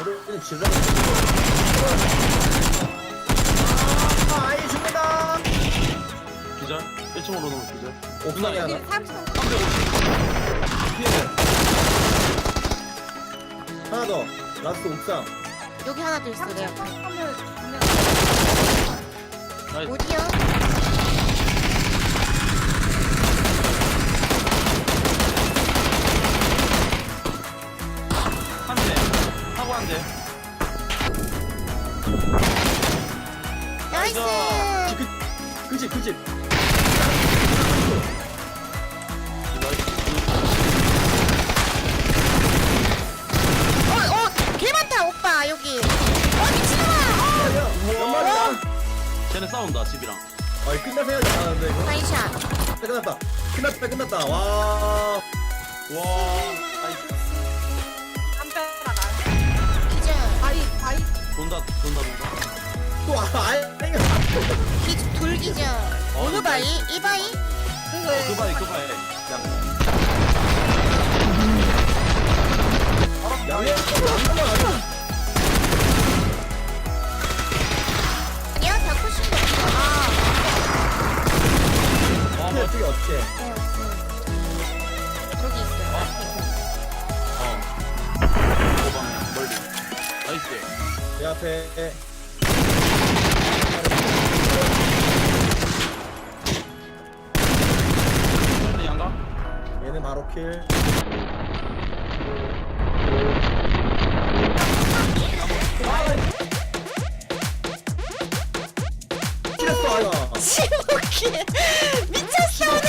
우리는 질러. 아이 죽는다. 기절 1층으로 넘어 기절 옥상에 하나. 30. 350 피해. 하나 더. 라스트 옥상. 여기 하나 더 있어 내 앞에. 나이스 어디야? 한대 하고 한대 나이스. 그 집. 개 많다 오빠 여기. 미친놈아. 연말이야. 쟤네 싸운다 집이랑 아이 끝날 생각이 안 나는데 이거. 나이샷. 끝났다. 와. 와 나이스 담벼락 기절. 바위 돈다 또 아예. 돌기절. 어느 바위? 이 바위? 그 바위 양해. 양말 아니야. 아니야 다 코싱. 아. 어떻게 어떻게? 저기 있어요. 도방 멀리 나이스 내 앞에. 멀리 양가 얘는 바로 킬. 킬했어 아야. 지옥이 미쳤어 오늘.